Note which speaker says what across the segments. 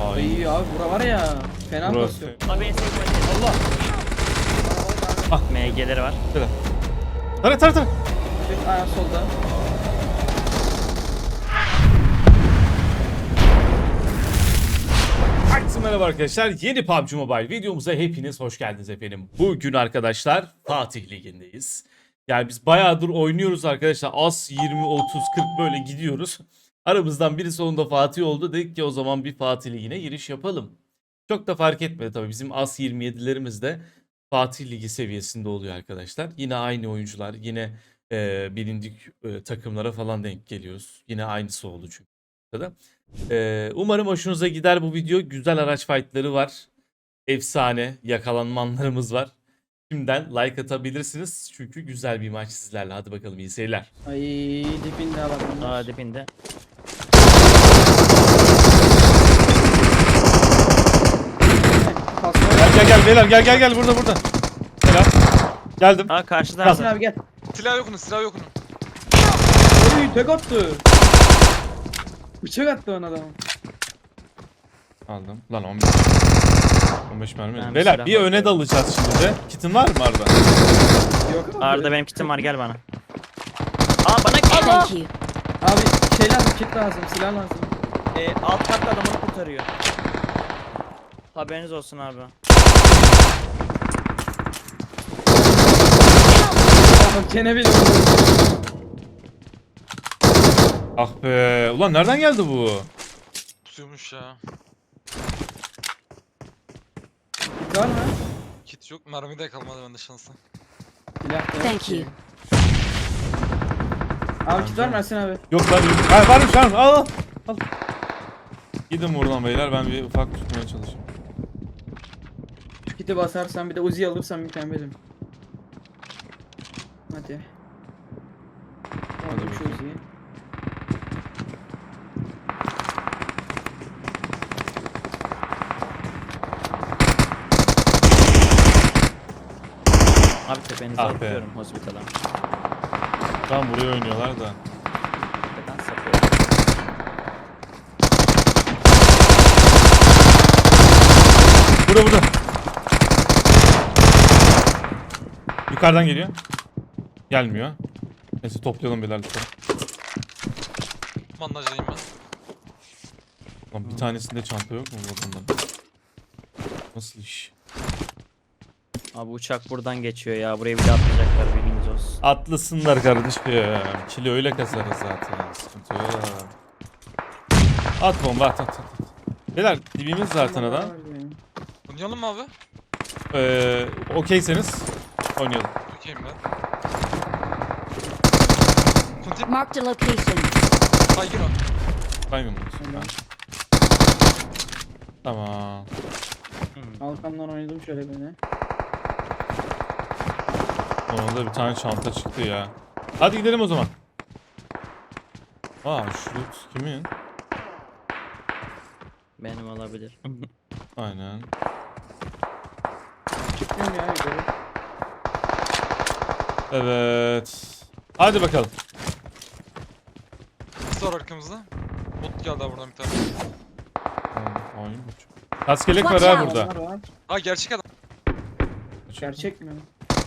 Speaker 1: Ay abi bura var ya. Fena
Speaker 2: Burası.
Speaker 1: basıyor.
Speaker 3: Abi en sevdiğim
Speaker 1: Allah.
Speaker 3: MG'leri var.
Speaker 2: Şöyle. Tara.
Speaker 1: Bir ayağı solda.
Speaker 2: Herkese merhaba arkadaşlar. Yeni PUBG Mobile videomuza hepiniz hoş geldiniz efendim. Bugün arkadaşlar Fatih Ligi'ndeyiz. Yani biz bayağıdır oynuyoruz arkadaşlar. Az 20, 30, 40 böyle gidiyoruz. Aramızdan biri sonunda Fatih oldu. Dedik ki o zaman bir Fatih Ligi'ne giriş yapalım. Çok da fark etmedi tabii. Bizim As 27'lerimiz de Fatih Ligi seviyesinde oluyor arkadaşlar. Yine aynı oyuncular, yine bilindik takımlara falan denk geliyoruz. Yine aynısı oldu çünkü. Umarım hoşunuza gider bu video. Güzel araç fightları var. Efsane yakalanma anlarımız var. Şimdiden like atabilirsiniz. Çünkü güzel bir maç sizlerle. Hadi bakalım iyi seyirler.
Speaker 1: Ay dibinde bak bunlar.
Speaker 3: Aa dibinde.
Speaker 2: Gel beyler gel burada. Selam. Geldim.
Speaker 3: Aa karşıda
Speaker 1: Yasin
Speaker 3: abi.
Speaker 1: abi gel.
Speaker 4: Silah yok onun, silah yok onun.
Speaker 1: Oy tek attı. Bıçak attı ona adam.
Speaker 2: Aldım. Lan 15 mermi.
Speaker 3: Ben bir
Speaker 2: Beyler
Speaker 3: silah
Speaker 2: bir öne
Speaker 3: bakıyorum.
Speaker 2: dalacağız şimdi de. Kitin var mı Arda?
Speaker 1: Yok abi.
Speaker 3: Arda benim kitim var gel bana. Aa bana gel.
Speaker 5: Thank you.
Speaker 1: Abi şey lazım, kit lazım, silah lazım.
Speaker 3: Alt katta adamını kurtarıyor. Haberiniz olsun abi.
Speaker 1: Bak gene bile
Speaker 2: Ah be. Ulan nereden geldi bu?
Speaker 4: Tutuyormuş ya.
Speaker 1: kit var mı?
Speaker 4: Kit yok, mermi de kalmadı bende şansla.
Speaker 1: Silah da yok
Speaker 5: Thank
Speaker 1: ki.
Speaker 5: you.
Speaker 1: Abi kit var mı Ersin abi?
Speaker 2: Yok lan. Ha, varmış. Al. Gidin buradan beyler. Ben bir ufak tutmaya çalışayım.
Speaker 1: Şu kiti basarsan bir de Uzi alırsan mükemmelim. Hadi. Aldım şu
Speaker 2: bakayım.
Speaker 1: Uzi'yi.
Speaker 3: Abi tepenize
Speaker 2: Ah be.
Speaker 3: atıyorum hospitala.
Speaker 2: Tam buraya oynuyorlar da.
Speaker 3: Tepeden sapıyorum.
Speaker 2: Burada. Yukarıdan geliyor. Gelmiyor. Neyse toplayalım beyler lütfen.
Speaker 4: Bandajdayım ben.
Speaker 2: Lan bir tanesinde çanta yok mu bundan? Nasıl iş?
Speaker 3: Abi uçak buradan geçiyor ya. Burayı bir de atlayacaklar bilginiz olsun.
Speaker 2: Atlısınlar kardeşim. Kilo öyle kasarız zaten. Sıkıntı yok. At bomba at. Beyler dibimiz zaten adam.
Speaker 4: Oynayalım mı abi?
Speaker 2: Okeyseniz oynayalım.
Speaker 4: Okeyim ben. Kuntip,
Speaker 5: Marked a location.
Speaker 4: kaygın o.
Speaker 2: Saymıyor musun?
Speaker 1: Tamam.
Speaker 2: Tamam.
Speaker 1: Alkandan oynadım şöyle böyle.
Speaker 2: Ona da bir tane çanta çıktı ya. Hadi gidelim o zaman. Aa şu loot kimin?
Speaker 3: Benim olabilir.
Speaker 2: Aynen.
Speaker 1: Çıkmıyorum ya yukarı.
Speaker 2: Evet. Hadi bakalım.
Speaker 4: Sor arkamızda. Bot geldi abi buradan bir tane.
Speaker 2: Oyun bu. Kaskelek var
Speaker 5: Watch
Speaker 2: ha
Speaker 5: out.
Speaker 2: burada.
Speaker 1: Adamlar var.
Speaker 4: Ha gerçek adam.
Speaker 1: Gerçek mi?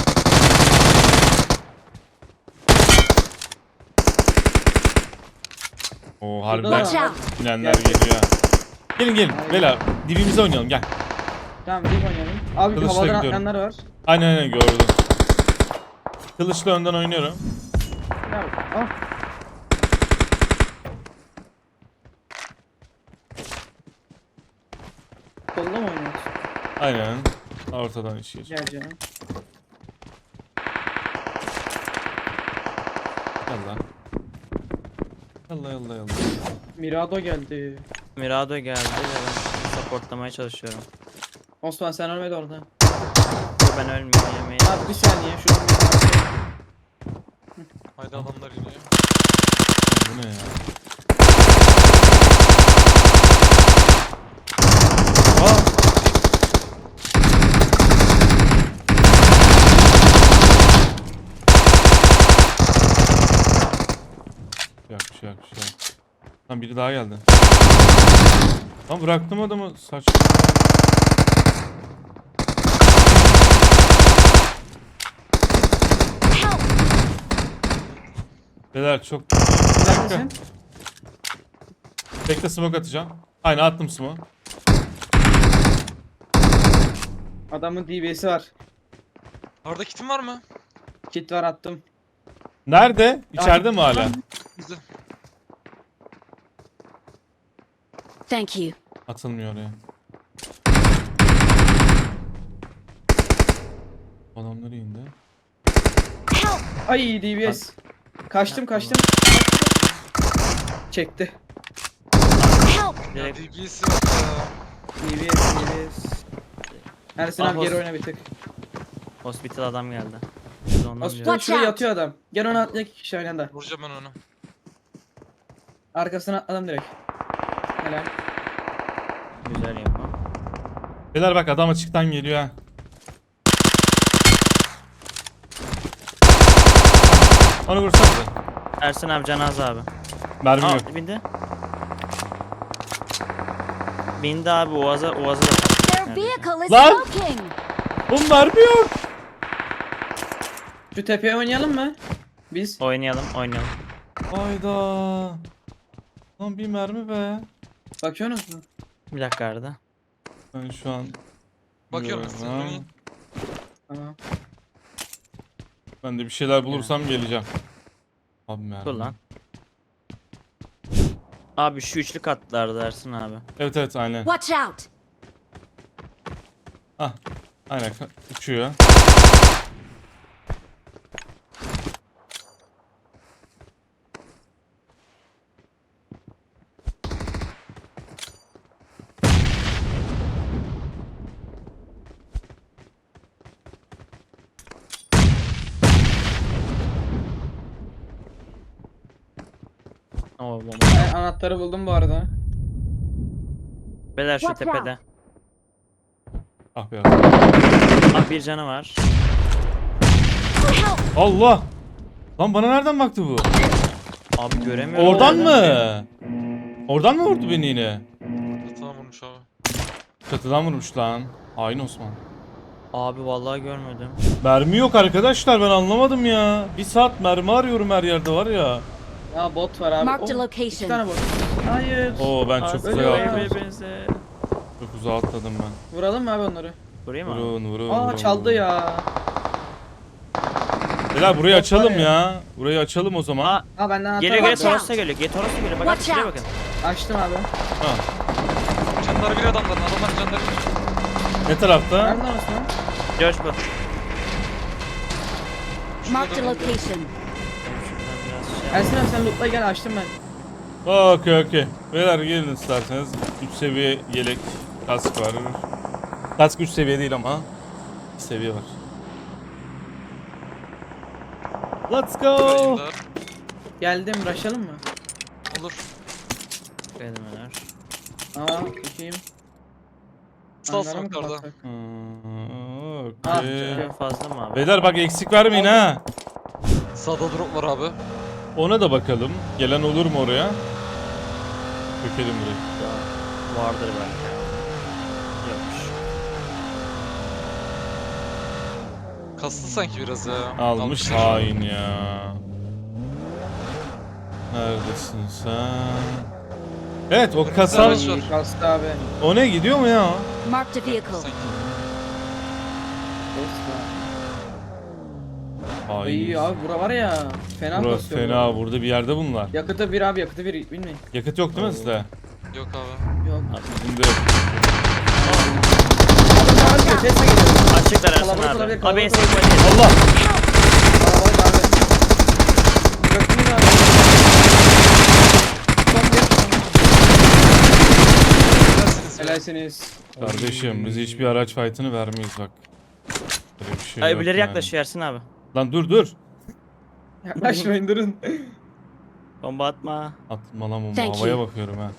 Speaker 2: Oo
Speaker 1: Watch
Speaker 2: harbiden
Speaker 5: out.
Speaker 2: inenler geliyor ha. Gelin
Speaker 1: Aynen.
Speaker 2: beyler dibimize oynayalım gel.
Speaker 1: Tamam bir oynayalım. Abi
Speaker 2: Kılıçla
Speaker 1: havadan
Speaker 2: gidiyorum.
Speaker 1: atlayanlar var.
Speaker 2: Aynen gördüm. Kılıçla önden oynuyorum.
Speaker 1: Ya, ah. Kolla mı oynuyorsun?
Speaker 2: Aynen. Ortadan iş geç.
Speaker 1: Gel canım.
Speaker 2: Yallah.
Speaker 1: Mirado geldi.
Speaker 3: Mirado geldi ve ben supportlamaya çalışıyorum.
Speaker 1: Osman sen ölmedi orada.
Speaker 3: Dur ben ölmeyeyim.
Speaker 1: Abi bir saniye şuradan bir
Speaker 4: Haydi adamlar iniyor.
Speaker 2: Bu ne ya? Aa! Yok bir şey yok. Lan biri daha geldi. Lan bıraktım adamı saç.
Speaker 5: Help!
Speaker 2: Beyler çok...
Speaker 1: Neredesin?
Speaker 2: Bekle smoke atacağım. Aynen attım smoke.
Speaker 1: Adamın DB'si var.
Speaker 4: Orada kitin var mı?
Speaker 1: Kit var attım.
Speaker 2: Nerede? İçeride mi hala?
Speaker 4: Bizde.
Speaker 5: Thank you.
Speaker 2: Atılmıyor oraya. Adamları indi.
Speaker 5: Help!
Speaker 1: Ay DBS. Kaçtım. Çekti.
Speaker 5: Help!
Speaker 4: Ya
Speaker 3: Direkt
Speaker 4: DB'si yok ya.
Speaker 1: DBS. Ersin abi
Speaker 3: Ah,
Speaker 1: geri
Speaker 3: olsun.
Speaker 1: oyna bir tık.
Speaker 3: hospital adam geldi. Biz de ondan
Speaker 1: Hospital
Speaker 3: diyoruz.
Speaker 5: Watch
Speaker 1: şuraya
Speaker 5: out.
Speaker 1: yatıyor adam. Gel onu atla, 2 kişi aynı anda.
Speaker 4: Vuracağım ben onu.
Speaker 1: Arkasına atladım direkt. Helal.
Speaker 3: Güzel yapma.
Speaker 2: Beyler bak adam açıktan geliyor ha. Onu vursanıza.
Speaker 3: Ersin abi Canaz abi.
Speaker 2: Mermi
Speaker 3: Aa
Speaker 2: yok.
Speaker 3: bindi. Bindi abi Oğaz'a da
Speaker 5: Their
Speaker 3: patladı.
Speaker 5: vehicle is
Speaker 2: Lan!
Speaker 5: smoking!
Speaker 2: Oğlum mermi yok.
Speaker 1: Şu tepeye oynayalım mı? Biz.
Speaker 3: Oynayalım.
Speaker 2: Hayda. Lan bir mermi be.
Speaker 1: Bakıyorsunuz mu?
Speaker 3: Bir dakika arada.
Speaker 2: Ben şu an...
Speaker 4: Bakıyorum
Speaker 2: Yok,
Speaker 4: size.
Speaker 2: ha.
Speaker 4: Oynayın.
Speaker 1: Tamam.
Speaker 2: Ben de bir şeyler bulursam geleceğim. Abi mermi.
Speaker 3: Dur lan. Abi şu üçlü katlarda Ersin abi.
Speaker 2: Evet aynen.
Speaker 5: Watch out!
Speaker 2: Ah. Aynen uçuyor.
Speaker 3: Oo bomba.
Speaker 1: Ben anahtarı buldum bu arada.
Speaker 3: Beyler şu
Speaker 5: Watch
Speaker 3: tepede.
Speaker 2: Ah be.
Speaker 3: Abi bir canı var.
Speaker 5: Help!
Speaker 2: Allah. Lan bana nereden baktı bu?
Speaker 3: Abi göremiyorum.
Speaker 2: Oradan
Speaker 3: nereden
Speaker 2: mı? Oradan mı vurdu beni yine?
Speaker 4: Tamam vurmuş abi.
Speaker 2: Çatıdan vurmuş lan. Hain Osman.
Speaker 3: Abi vallahi görmedim.
Speaker 2: Mermi yok arkadaşlar, ben anlamadım ya. Bir saat mermi arıyorum her yerde var ya.
Speaker 1: Ya bot var abi.
Speaker 5: Marked a
Speaker 1: Oh, 2
Speaker 5: location.
Speaker 1: tane bot. Hayır.
Speaker 2: Oo ben çok
Speaker 3: Abi,
Speaker 2: uzağa
Speaker 1: ölüyor ya.
Speaker 2: atladım. Çok uzağa atladım ben.
Speaker 1: Vuralım mı abi onları?
Speaker 3: Burayı mı? abi?
Speaker 2: Vurun.
Speaker 1: Aa çaldı ya.
Speaker 2: Beyler burayı
Speaker 1: Bot var
Speaker 2: açalım
Speaker 1: ya.
Speaker 2: ya. Burayı açalım o zaman.
Speaker 3: Aa
Speaker 1: Ha benden anahtar
Speaker 3: geliyor
Speaker 1: var.
Speaker 3: geliyor Toros'ta geliyor. Toros'ta geliyor. Bak abi
Speaker 5: Watch
Speaker 3: şuraya
Speaker 5: out.
Speaker 3: bakın.
Speaker 1: Açtım abi.
Speaker 2: Ha.
Speaker 4: Canları bir adamların. Adamların canları bir.
Speaker 2: Ne tarafta?
Speaker 1: Nereden Osman?
Speaker 3: George bu.
Speaker 5: Marked a
Speaker 4: Şurada
Speaker 5: location.
Speaker 3: Şuradan biraz şey
Speaker 1: Ersin abi sen lootla gel, açtım ben.
Speaker 2: Okey. Beyler gelin isterseniz. 3 seviye yelek kask var. Kask 3 seviye değil ama 2 seviye var. Let's go.
Speaker 4: yayında.
Speaker 1: Geldim, rushlayalım mı?
Speaker 4: Olur.
Speaker 3: Kelimeler.
Speaker 1: Aa bakayım.
Speaker 4: Sağ
Speaker 1: Hangar'a mı
Speaker 4: smoke'larda.
Speaker 1: kapatsak?
Speaker 2: Okey.
Speaker 1: Çıkıyor.
Speaker 3: Fazla mı abi?
Speaker 2: Beyler bak eksik vermeyin ha.
Speaker 4: Sağda drop var abi.
Speaker 2: Ona da bakalım. Gelen olur mu oraya? Dökelim direkt.
Speaker 3: Vardır belki. Yokmuş.
Speaker 4: Kastı sanki biraz ya.
Speaker 2: Almış
Speaker 4: Almışlar.
Speaker 2: hain ya. Neredesin sen? Evet o kasa
Speaker 4: araç var.
Speaker 1: İyi kastı abi.
Speaker 2: o ne gidiyor mu ya o?
Speaker 5: Marked a vehicle.
Speaker 4: Sanki.
Speaker 2: Hain.
Speaker 1: İyi abi, bura var ya. Fena
Speaker 2: Burası
Speaker 1: basıyor.
Speaker 2: fena, burada bir yerde bunlar.
Speaker 1: Yakıtı bir abi, yakıtı bir, bilmeyin.
Speaker 2: Yakıt yok değil mi sizde?
Speaker 4: Yok abi.
Speaker 1: Yok.
Speaker 2: Bizim de yok.
Speaker 1: Adam daha önce Tesla geliyor.
Speaker 3: Açıklar Ersin
Speaker 1: Kalabalık
Speaker 3: abi.
Speaker 1: olabilir,
Speaker 3: Abi
Speaker 1: kalabalık
Speaker 3: eski
Speaker 1: olabilir.
Speaker 3: polis.
Speaker 2: Allah!
Speaker 1: Kalabalık abi. Göktünüz abi. Çok
Speaker 4: Dersiniz ya.
Speaker 1: Helalsiniz.
Speaker 2: Kardeşim biz hiçbir araç fight'ını vermeyiz bak. Böyle bir şey
Speaker 3: Ay
Speaker 2: yok
Speaker 3: öbürleri
Speaker 2: yani.
Speaker 3: yaklaşıyor Ersin abi.
Speaker 2: Lan dur.
Speaker 1: Yaklaşmayın, durun.
Speaker 3: Bomba atma.
Speaker 2: Atma lan
Speaker 5: Thank
Speaker 2: havaya
Speaker 5: you.
Speaker 2: bakıyorum ha.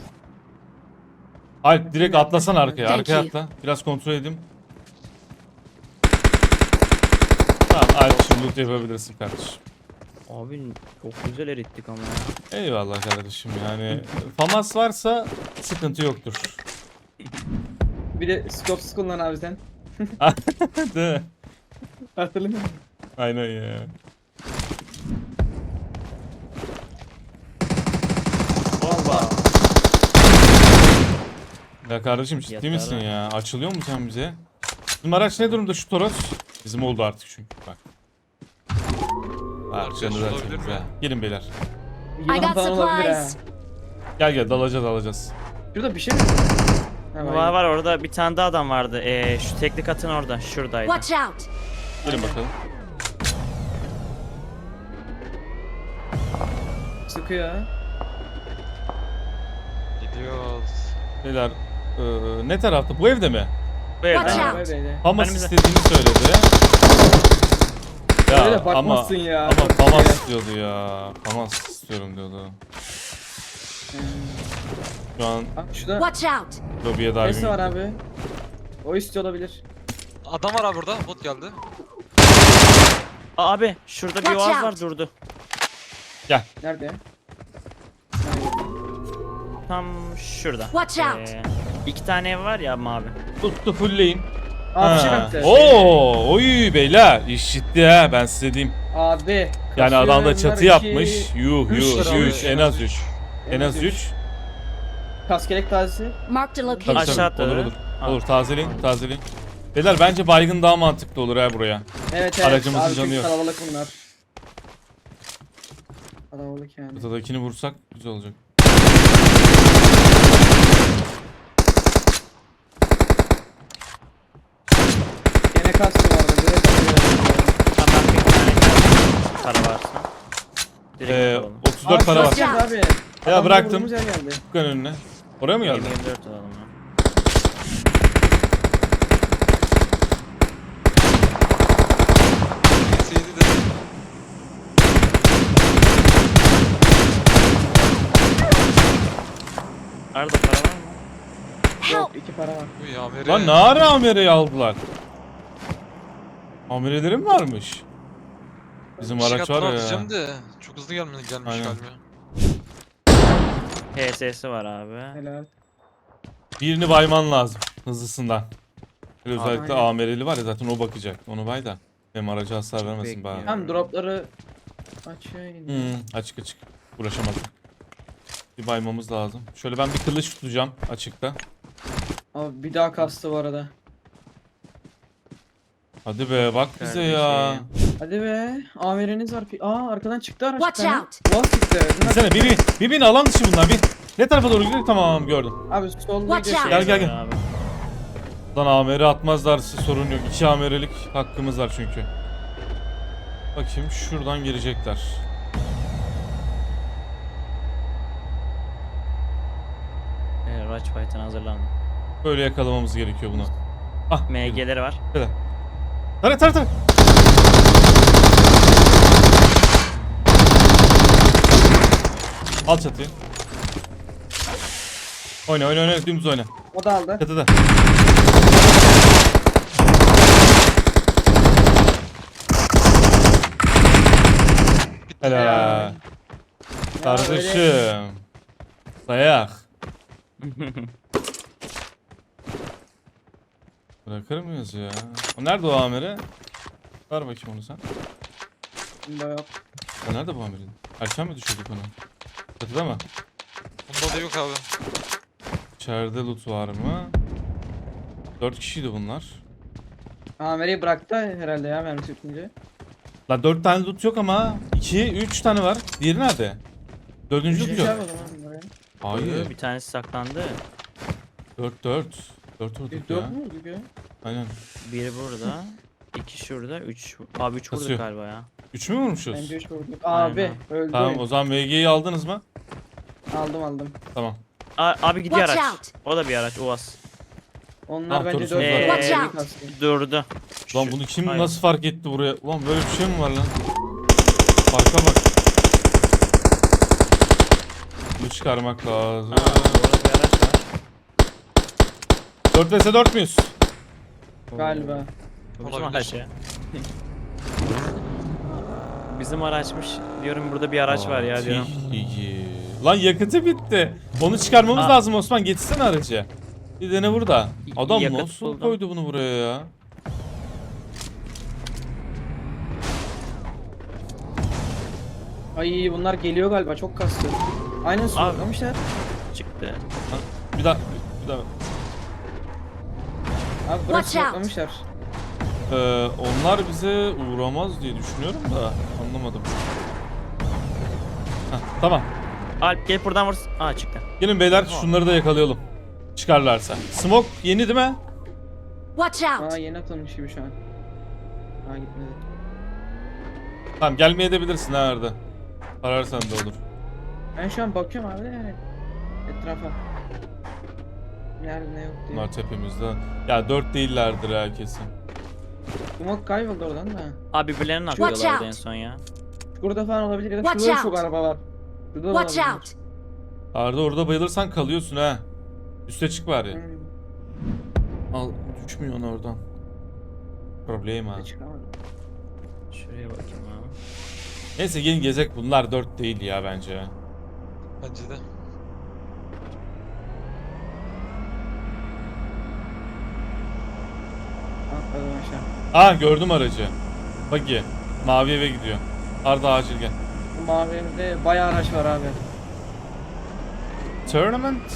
Speaker 2: Alp direkt atlasan arkaya.
Speaker 5: Thank
Speaker 2: Arkaya
Speaker 5: you.
Speaker 2: atla. Biraz kontrol edeyim. Tamam Alp şimdi loot yapabilirsin kardeşim.
Speaker 3: Abi çok güzel erittik ama ya.
Speaker 2: Eyvallah kardeşim yani. FAMAS varsa sıkıntı yoktur.
Speaker 1: Bir de skopsuz kullan abi sen.
Speaker 2: Değil mi?
Speaker 1: Hatırlıyor musun?
Speaker 2: Aynen ya.
Speaker 3: Hoppa.
Speaker 2: Ya kardeşim ciddi
Speaker 3: Yatar
Speaker 2: misin
Speaker 3: ha.
Speaker 2: ya? Açılıyor mu sen bize? Bizim araç ne durumda şu Toros? Bizim oldu artık çünkü bak. Harcanı
Speaker 4: olabilir
Speaker 2: derseniz
Speaker 4: mi?
Speaker 2: ha. Gelin beyler.
Speaker 5: I
Speaker 1: Yılan
Speaker 5: got
Speaker 1: falan olabilir ha.
Speaker 5: supplies.
Speaker 2: Gel dalacağız.
Speaker 1: Şurada bir şey mi? Ha,
Speaker 3: Var var orada bir tane daha adam vardı. Şu teknik atın orada. Şuradaydı.
Speaker 5: Watch out.
Speaker 2: Gelin bakalım.
Speaker 1: Sıkıyor ha.
Speaker 4: Gidiyoruz.
Speaker 2: Beyler ne tarafta? Bu evde mi?
Speaker 3: Bu evde.
Speaker 5: Watch
Speaker 1: Ha,
Speaker 5: out.
Speaker 1: böyle.
Speaker 2: Famas
Speaker 3: Önümüzde.
Speaker 2: istediğini söyledi. Ya
Speaker 1: Öyle
Speaker 2: ama
Speaker 1: bakmazsın ya.
Speaker 2: ama Famas istiyordu ya. Famas istiyorum diyordu. Şu an
Speaker 1: Bak şurada
Speaker 5: Watch out.
Speaker 2: lobiye
Speaker 1: nesi var
Speaker 2: diving.
Speaker 1: abi? O istiyor olabilir.
Speaker 4: Adam var abi burada. Bot geldi.
Speaker 3: Abi şurada bir
Speaker 5: Watch
Speaker 3: oğaz
Speaker 5: out.
Speaker 3: var durdu.
Speaker 1: Nerede?
Speaker 3: Tam şurada.
Speaker 5: Watch out.
Speaker 3: 2 tane ev var ya mavi.
Speaker 2: Tuttu fullleyin.
Speaker 1: Aa bir şey
Speaker 2: Ha.
Speaker 1: baktı.
Speaker 2: Oo, oy beyler iş ciddi ha ben size diyeyim.
Speaker 1: Abi.
Speaker 2: Yani adam da
Speaker 1: kasıyor,
Speaker 2: çatı
Speaker 1: bunlar iki-
Speaker 2: yapmış. Yuh
Speaker 1: üç
Speaker 2: yuh
Speaker 1: lira
Speaker 2: yuh
Speaker 1: abi.
Speaker 2: en az 3. En az 3.
Speaker 1: Kaskelek tazesi.
Speaker 5: Marked a
Speaker 2: Tabii
Speaker 5: location.
Speaker 3: Aşağı
Speaker 2: tabii
Speaker 3: atladı.
Speaker 2: olur olur.
Speaker 3: Ha.
Speaker 2: Olur tazeleyin. Beyler bence baygın daha mantıklı olur ha buraya.
Speaker 1: Evet
Speaker 2: Aracımızın
Speaker 1: Abi
Speaker 2: canı
Speaker 1: çünkü
Speaker 2: yok.
Speaker 1: kalabalık bunlar. Kalabalık yani.
Speaker 2: Ortadakini vursak güzel olacak.
Speaker 1: Gene kastı vardı. Direkt
Speaker 3: Tamam bir tane geldi. Para varsa. Direkt alalım.
Speaker 2: 34 para var.
Speaker 1: Geldi abi.
Speaker 2: Ya
Speaker 1: Adamla
Speaker 2: bıraktım.
Speaker 1: vurduğumuz yer geldi.
Speaker 2: Dükkan önüne. Oraya mı geldi?
Speaker 3: 24 alalım ya.
Speaker 4: Neydi de.
Speaker 3: Arada para var mı?
Speaker 1: Yok
Speaker 5: Help.
Speaker 1: 2 para var.
Speaker 4: Uy amiri.
Speaker 2: Lan ne ara amireyi aldılar? Amirelerim varmış. Bizim araç var ya.
Speaker 4: Diyeceğim de çok hızlı gelmiş
Speaker 2: Aynen.
Speaker 4: galiba.
Speaker 3: HS'si var abi.
Speaker 1: Helal.
Speaker 2: Birini bayman lazım hızlısından. Böyle özellikle
Speaker 1: Aynen.
Speaker 2: amireli var ya zaten o bakacak. Onu bay da. Hem araca hasar vermesin
Speaker 3: Bekliyor.
Speaker 2: bana.
Speaker 1: Hem dropları açıyor yine.
Speaker 2: Açık. Uğraşamadım. Bir baymamız lazım. Şöyle ben bir kılıç tutacağım açıkta.
Speaker 1: Abi bir daha kastı bu arada.
Speaker 2: Hadi be bak bize ya.
Speaker 3: Kardeşim.
Speaker 1: Hadi be. Amiriniz var. Aa arkadan çıktı araç.
Speaker 5: Watch
Speaker 1: bir tane.
Speaker 5: out.
Speaker 1: Boğaz çıktı. Bunlar-
Speaker 2: Binsene bir bin alan dışı bunlar bir. Ne tarafa doğru gidiyor? Tamam gördüm.
Speaker 1: Abi solda
Speaker 5: Watch
Speaker 1: gidiyor
Speaker 5: out.
Speaker 1: şey.
Speaker 2: Gel.
Speaker 3: Abi.
Speaker 2: Lan amere atmazlarsa sorun yok. 2 amerelik hakkımız var çünkü. Bakayım şuradan girecekler.
Speaker 3: Rush Fight'ın hazırlandı.
Speaker 2: Böyle yakalamamız gerekiyor bunu. Ah girdim.
Speaker 3: MG'leri var.
Speaker 2: Tara. Al çatıyı. Oyna dümdüz oyna.
Speaker 1: O da aldı.
Speaker 2: Çatıda. Helal.
Speaker 1: Ya öyle-
Speaker 2: Kardeşim. Dayak. Bırakır mıyız ya? O nerede o amiri? Ver bakayım onu sen.
Speaker 1: Bunda yok.
Speaker 2: O nerede bu amirin? Erken mi düşürdük onu? Çatıda mı?
Speaker 4: Bunda da yok abi.
Speaker 2: İçeride loot var mı? 4 kişiydi bunlar.
Speaker 1: Amir'i bıraktı herhalde ya mermisi bitince.
Speaker 2: La 4 tane loot yok ama 3 tane var. Diğeri nerede? 4. loot
Speaker 1: Şey
Speaker 2: yok.
Speaker 1: yap o zaman buraya.
Speaker 2: Hayır.
Speaker 3: Bir tanesi saklandı.
Speaker 2: 4 vurduk
Speaker 1: Biz
Speaker 2: ya.
Speaker 1: 4 mü olduk ya?
Speaker 3: Aynen. Biri burada. 2 şurada. 3. Abi 3 vurduk
Speaker 2: Kasıyor.
Speaker 3: galiba ya.
Speaker 2: 3 mü vurmuşuz?
Speaker 1: Bence 3 vurduk. Abi
Speaker 3: Aynen.
Speaker 1: öldü.
Speaker 2: Tamam
Speaker 1: oyun.
Speaker 2: o zaman VG'yi aldınız mı?
Speaker 1: Aldım.
Speaker 2: Tamam.
Speaker 3: Abi gidiyor
Speaker 5: Watch
Speaker 3: araç.
Speaker 5: out.
Speaker 3: O da bir araç. Uaz.
Speaker 1: Onlar
Speaker 2: Tamam,
Speaker 1: bence
Speaker 2: Torus
Speaker 1: 4
Speaker 2: var.
Speaker 5: Watch out.
Speaker 3: Durdu.
Speaker 2: Lan bunu kim
Speaker 3: Aynen.
Speaker 2: nasıl fark etti buraya? Ulan böyle bir şey mi var lan? Farka bak. Bunu çıkarmak lazım.
Speaker 3: Orada bir araç var.
Speaker 2: 4 vs 4 müyüz?
Speaker 1: Galiba.
Speaker 3: Bu bizim
Speaker 4: Olabilir.
Speaker 3: araç ya. bizim araçmış. Diyorum burada bir araç var ya diyorum.
Speaker 2: Fatih. Lan yakıtı bitti. Onu çıkarmamız
Speaker 3: Aa.
Speaker 2: lazım Osman. Getirsene aracı. Bir dene burada. Adam
Speaker 3: Yakıt
Speaker 2: nasıl
Speaker 3: buldum.
Speaker 2: koydu bunu buraya ya?
Speaker 1: Ay bunlar geliyor galiba çok kastı. Aynen smoklamışlar.
Speaker 3: Çıktı.
Speaker 2: Bir daha. Bir daha.
Speaker 1: Abi bırak
Speaker 5: Watch out.
Speaker 1: smoklamışlar.
Speaker 2: Onlar bize uğramaz diye düşünüyorum da anlamadım. Heh, tamam.
Speaker 3: Alp gel buradan vur. Aa çıktı.
Speaker 2: Gelin beyler şunları da yakalayalım. Çıkarlarsa. Smoke yeni değil mi?
Speaker 5: Watch out!
Speaker 1: Aa yeni atılmış gibi şu an. Aa gitmedi.
Speaker 2: Tamam gelmeye edebilirsin ha Arda. Ararsan da olur.
Speaker 1: Ben şu an bakıyorum abi de etrafa. Nerede ne yok diye.
Speaker 2: Bunlar tepemizde. Ya 4 değillerdir ha kesin.
Speaker 1: Umut kayboldu oradan da.
Speaker 3: Abi birbirlerini
Speaker 5: Watch
Speaker 3: atlıyorlardı en
Speaker 5: out.
Speaker 3: son ya.
Speaker 1: Şurada falan olabilir ya da
Speaker 5: Watch
Speaker 1: şurada
Speaker 5: out.
Speaker 1: çok araba var. Şurada da
Speaker 5: Watch
Speaker 1: olabilir.
Speaker 5: out!
Speaker 2: Arda orada bayılırsan kalıyorsun ha. Üste çık bari.
Speaker 1: Hmm,
Speaker 2: Al düşmüyorsun oradan. Problem ha.
Speaker 1: çıkamadım.
Speaker 3: Şuraya bakayım abi.
Speaker 2: Neyse gelin gezek bunlar 4 değil ya bence.
Speaker 4: Bence de.
Speaker 1: Atladım aşağı.
Speaker 2: Ah gördüm aracı. Buggy. Mavi eve gidiyor. Arda acil gel.
Speaker 1: Bu mavi evde bayağı araç var abi.
Speaker 2: Tournament.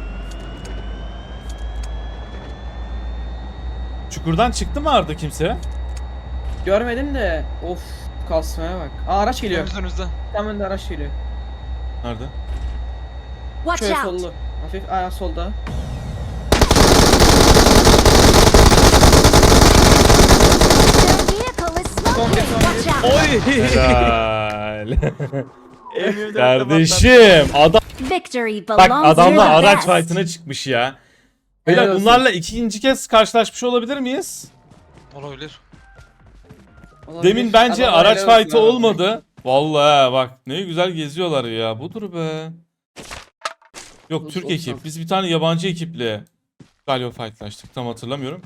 Speaker 2: Çukurdan çıktı mı Arda kimse?
Speaker 1: Görmedim de of kasmaya bak. Aa araç geliyor.
Speaker 4: Önümüzde.
Speaker 1: Tam önde araç geliyor.
Speaker 2: Nerede?
Speaker 5: Watch
Speaker 1: Şöyle
Speaker 5: out!
Speaker 1: sollu. Hafif ayağı solda.
Speaker 5: Their vehicle is smoking! Watch out!
Speaker 3: Oy!
Speaker 2: Helal.
Speaker 3: M24'te
Speaker 2: Kardeşim adam
Speaker 5: Victory
Speaker 2: bak
Speaker 5: belongs to
Speaker 2: adamlar
Speaker 5: the
Speaker 2: araç
Speaker 5: best!
Speaker 2: fight'ına çıkmış ya. Beyler
Speaker 1: Helal olsun.
Speaker 2: bunlarla ikinci kez karşılaşmış olabilir miyiz?
Speaker 4: Olabilir.
Speaker 1: Olabilir.
Speaker 2: Demin bence
Speaker 1: Adamlar
Speaker 2: araç
Speaker 1: helal olsun
Speaker 2: fight'ı
Speaker 1: abi.
Speaker 2: olmadı. Vallahi ha, bak ne güzel geziyorlar ya. Budur be. Yok
Speaker 1: Olsun,
Speaker 2: Türk
Speaker 1: olsun.
Speaker 2: ekip. Biz bir tane yabancı ekiple galiba fight'laştık. Tam hatırlamıyorum.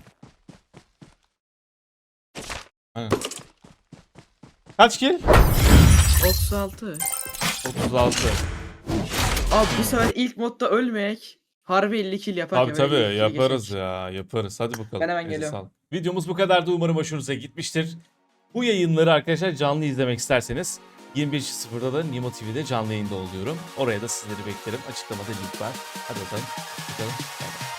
Speaker 2: Aynen. Kaç kill?
Speaker 1: 36.
Speaker 2: 36.
Speaker 1: Abi bu sefer ilk modda ölmeyek. Harbi 50 kill yaparken
Speaker 2: Tabii
Speaker 1: böyle
Speaker 2: tabii
Speaker 1: 50 kill
Speaker 2: yaparız
Speaker 1: geçecek.
Speaker 2: ya yaparız. Hadi bakalım.
Speaker 1: Ben hemen
Speaker 2: Elinize
Speaker 1: geliyorum.
Speaker 2: sağlık. Videomuz bu kadardı. Umarım hoşunuza gitmiştir. Bu yayınları arkadaşlar canlı izlemek isterseniz 21.00'da da Nimo TV'de canlı yayında oluyorum. Oraya da sizleri beklerim. Açıklamada link var. Hadi bakalım. Bakalım. Bay bay.